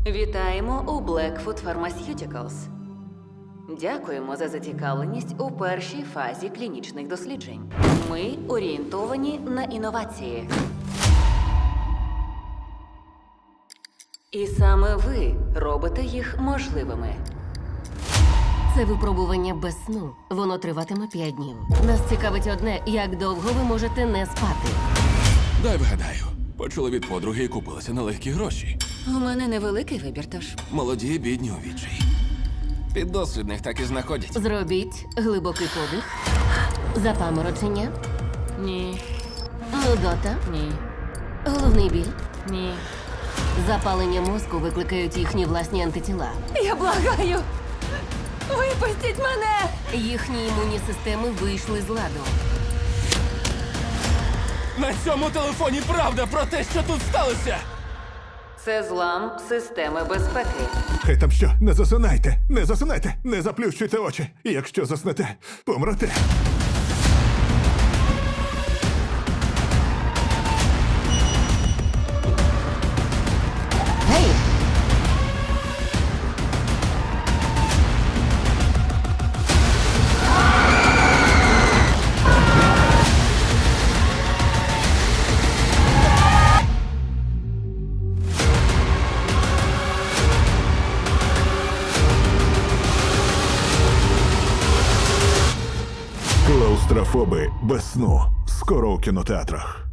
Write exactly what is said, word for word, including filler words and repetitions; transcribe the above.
Вітаємо у Blackfoot Pharmaceuticals. Дякуємо за зацікавленість у першій фазі клінічних досліджень. Ми орієнтовані на інновації. І саме ви робите їх можливими. Це випробування без сну. Воно триватиме п'ять днів. Нас цікавить одне, як довго ви можете не спати. Дай вгадаю. Почули від подруги і купилися на легкі гроші. У мене невеликий вибір, тож. Молоді, бідні у відчаї. Піддослідних так і знаходять. Зробіть глибокий подих, запаморочення, Ні, нудота, ні, головний біль. ні. Запалення мозку викликають їхні власні антитіла. Я благаю! Випустіть мене! Їхні імунні системи вийшли з ладу. На цьому телефоні правда про те, що тут сталося! Це злам системи безпеки. Хай там що, не засинайте, не засинайте, не заплющуйте очі. Якщо заснете, помрете. Гей! Клаустрофоби без сну. Скоро у кінотеатрах.